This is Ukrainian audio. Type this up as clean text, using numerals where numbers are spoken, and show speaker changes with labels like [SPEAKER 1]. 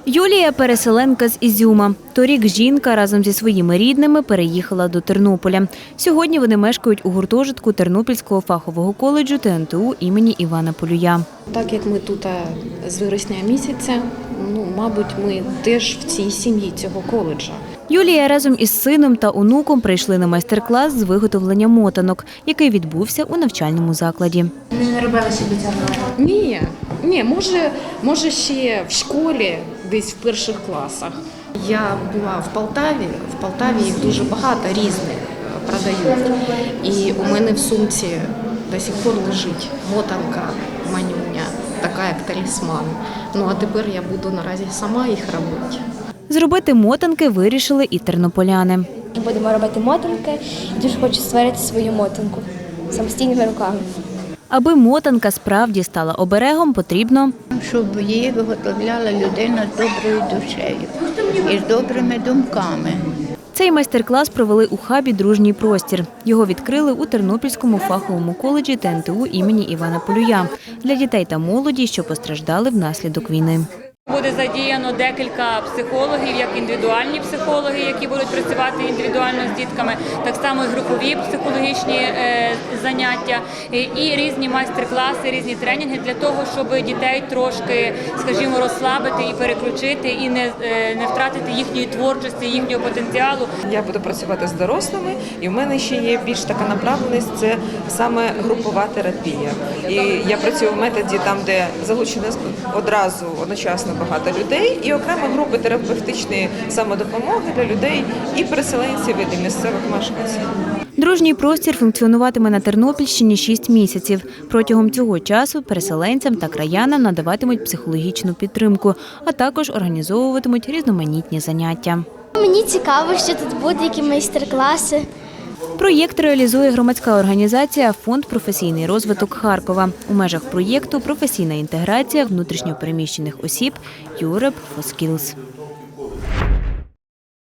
[SPEAKER 1] Юлія – переселенка з Ізюма. Торік жінка разом зі своїми рідними переїхала до Тернополя. Сьогодні вони мешкають у гуртожитку Тернопільського фахового коледжу ТНТУ імені Івана Полюя.
[SPEAKER 2] Так як ми тут з вересня місяця, мабуть, ми теж в цій сім'ї цього коледжа.
[SPEAKER 1] Юлія разом із сином та онуком прийшли на майстер-клас з виготовлення мотанок, який відбувся у навчальному закладі.
[SPEAKER 3] Не робили собі цього?
[SPEAKER 2] Ні, може ще в школі, десь в перших класах. Я була в Полтаві їх дуже багато різних продають. І у мене в сумці до сих пор лежить мотанка манюня, така як талісман. А тепер я буду наразі сама їх робити.
[SPEAKER 1] Зробити мотанки вирішили і тернополяни.
[SPEAKER 3] Будемо робити мотанки. Дуже хочу створити свою мотанку самостійними руками.
[SPEAKER 1] Аби мотанка справді стала оберегом, потрібно
[SPEAKER 4] щоб її виготовляла людина з доброю душею і з добрими думками.
[SPEAKER 1] Цей майстер-клас провели у хабі «Дружній простір». Його відкрили у Тернопільському фаховому коледжі ТНТУ імені Івана Полюя для дітей та молоді, що постраждали внаслідок війни.
[SPEAKER 5] Буде задіяно декілька психологів, як індивідуальні психологи, які будуть працювати індивідуально з дітками, так само і групові психологічні заняття, і різні майстер-класи, різні тренінги для того, щоб дітей трошки, скажімо, розслабити і переключити, і не втратити їхньої творчості, їхнього потенціалу.
[SPEAKER 6] Я буду працювати з дорослими, і в мене ще є більш така направленість – це саме групова терапія. І я працюю в методі там, де залучено одночасно багато людей, і окремо групи терапевтичної самодопомоги для людей і переселенців, і місцевих мешканців.
[SPEAKER 1] «Дружній простір» функціонуватиме на Тернопільщині 6 місяців. Протягом цього часу переселенцям та краянам надаватимуть психологічну підтримку, а також організовуватимуть різноманітні заняття.
[SPEAKER 7] Мені цікаво, що тут буде, які майстер-класи.
[SPEAKER 1] Проєкт реалізує громадська організація «Фонд професійний розвиток Харкова». У межах проєкту «Професійна інтеграція внутрішньо переміщених осіб Europe for Skills».